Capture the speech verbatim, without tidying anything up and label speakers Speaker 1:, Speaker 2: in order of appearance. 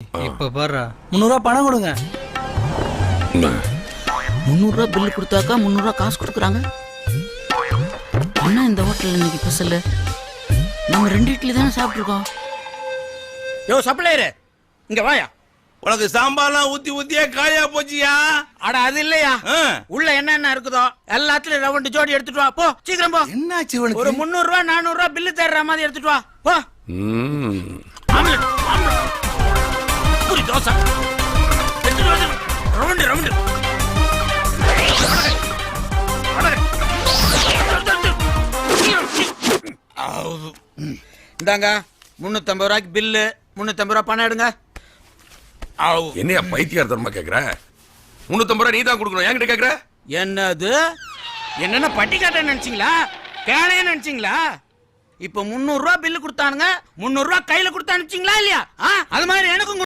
Speaker 1: இப்ப பாரு முந்நூறு ரூபா பணம் கொடுங்க.
Speaker 2: முந்நூறு ரூபா பில்லு கொடுத்தாக்கா முந்நூறு ரூபா காசு கொடுக்குறாங்க. என்ன இந்த ஹோட்டல்ல இன்னைக்கு ஸ்பெஷல்? நம்ம ரெண்டு இட்லி தானே சாப்பிட்டுருக்கோம்.
Speaker 3: யோ சப்ளையரு இங்க வாயா.
Speaker 4: உனக்கு சாம்பார்லாம் ஊத்தி ஊத்தியே காயா போச்சியா?
Speaker 3: அட அது இல்லையா, உள்ள என்ன என்ன இருக்குதோ எல்லாத்துலயும் ரவுண்டு ஜோடி எடுத்துட்டு வா. போ சீக்கிரம் போ.
Speaker 1: என்னாச்சு இவனுக்கு?
Speaker 3: ஒரு முந்நூறு ரூபா நானூறு ரூபா பில்லு தர்ற மாதிரி எடுத்துட்டு வா. போ. ஆம்லெட் ஆம்லெட் பூரி தோசை எடுத்துட்டு வந்து ரவுண்டு ரவுண்டு. இந்தாங்க முன்னூத்தி ஐம்பது ரூபாய்க்கு பில்லு. முன்னூத்தி ஐம்பது ரூபா பணம் எடுங்க.
Speaker 4: என்னையா பைத்தியார்த்தனமா கேக்குற? முன்னூத்தி ஐம்பது ரூபா நீ தான் கொடுக்கணும், என்கிட்ட கேக்குற?
Speaker 3: என்னது என்னென்ன பட்டி காட்ட நினைச்சீங்களா? கேளைய நினைச்சீங்களா? இப்ப முன்னூறு ரூபா பில்லு கொடுத்தானுங்க, முன்னூறு ரூபா கையில கொடுத்தா அனுப்பிச்சீங்களா இல்லையா? அது மாதிரி எனக்கும்